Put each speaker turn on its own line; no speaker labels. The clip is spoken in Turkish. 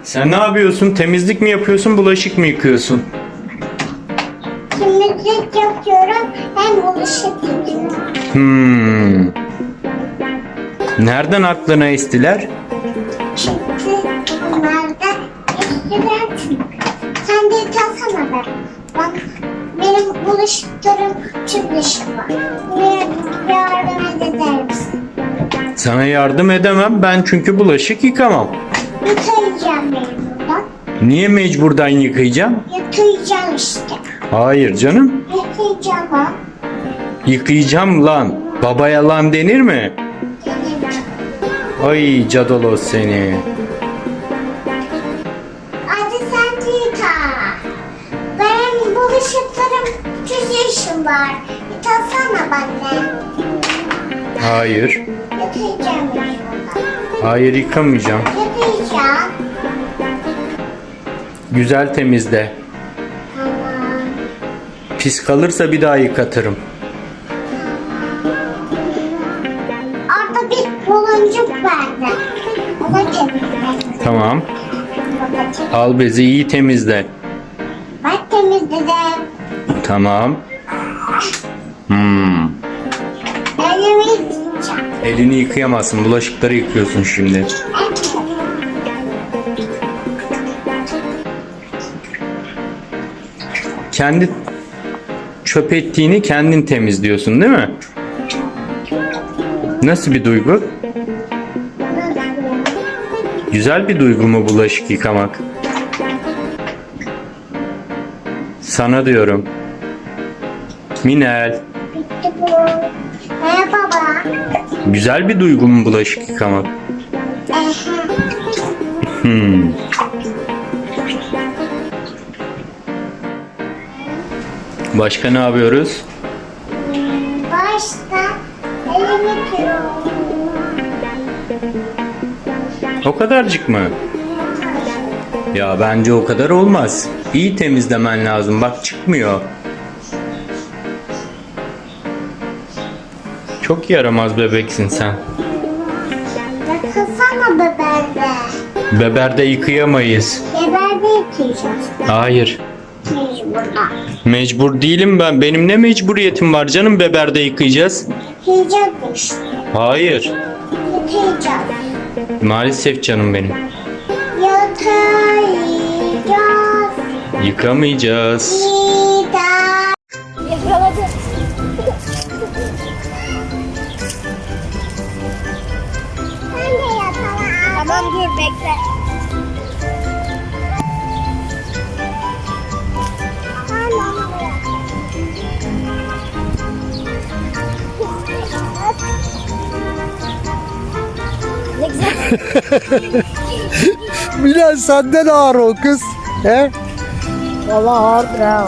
Sen ne yapıyorsun? Temizlik mi yapıyorsun, bulaşık mı yıkıyorsun?
Temizlik yapıyorum hem bulaşık yıkıyorum.
Nereden aklına estiler?
Çünkü bunlar da eskiler çünkü. Sen de yıkasana be. Bak benim bulaşıklarım çok dışı var. Yardım eder misin?
Sana yardım edemem ben çünkü bulaşık yıkamam.
Yıkayacağım benim buradan.
Niye mecburdan yıkayacağım?
Yıkayacağım işte.
Hayır canım.
Yıkayacağım ha.
Yıkayacağım lan. Babaya lan denir mi? Ay cadalo seni.
Hadi sen de yıka. Benim bulaşıklarım 3 yaşım var. Yıkasana bana.
Hayır.
Yıkayacağım ben buradan.
Hayır yıkamayacağım.
Yıkayacağım.
Güzel temizle.
Tamam.
Pis kalırsa bir daha yıkatırım.
Orada bir buluncuk vardı. Ona temizledim.
Tamam.
Babacığım.
Al bezi iyi temizle.
Bak temizledim.
Tamam.
Elimi yıkayacağım.
Elini yıkayamazsın. Bulaşıkları yıkıyorsun şimdi.
Evet.
Kendi çöp ettiğini kendin temizliyorsun değil mi? Nasıl bir duygu? Güzel bir duygu mu bulaşık yıkamak? Sana diyorum. Minel.
Bitti bu. Merhaba baba.
Güzel bir duygu mu bulaşık yıkamak? Başka ne yapıyoruz?
Başta elimi yıkıyorum.
O kadarcık mı? Ya bence o kadar olmaz. İyi temizlemen lazım. Bak çıkmıyor. Çok yaramaz bebeksin sen.
Yıkasana beberde.
Beberde yıkayamayız.
Beberde yıkayacağız.
Hayır.
Mecburda.
Mecbur değilim ben. Benim ne mecburiyetim var canım beberde yıkayacağız?
Yıkayacağız işte.
Hayır.
Yıkayacağız.
Maalesef canım benim.
Yıkayacağız.
Yıkamayacağız.
Yakaladım. Sen de yakala. Tamam dur bekle. Ne güzel.
Bilal senden ağır o kız. He?
Vallahi ağırdır ha.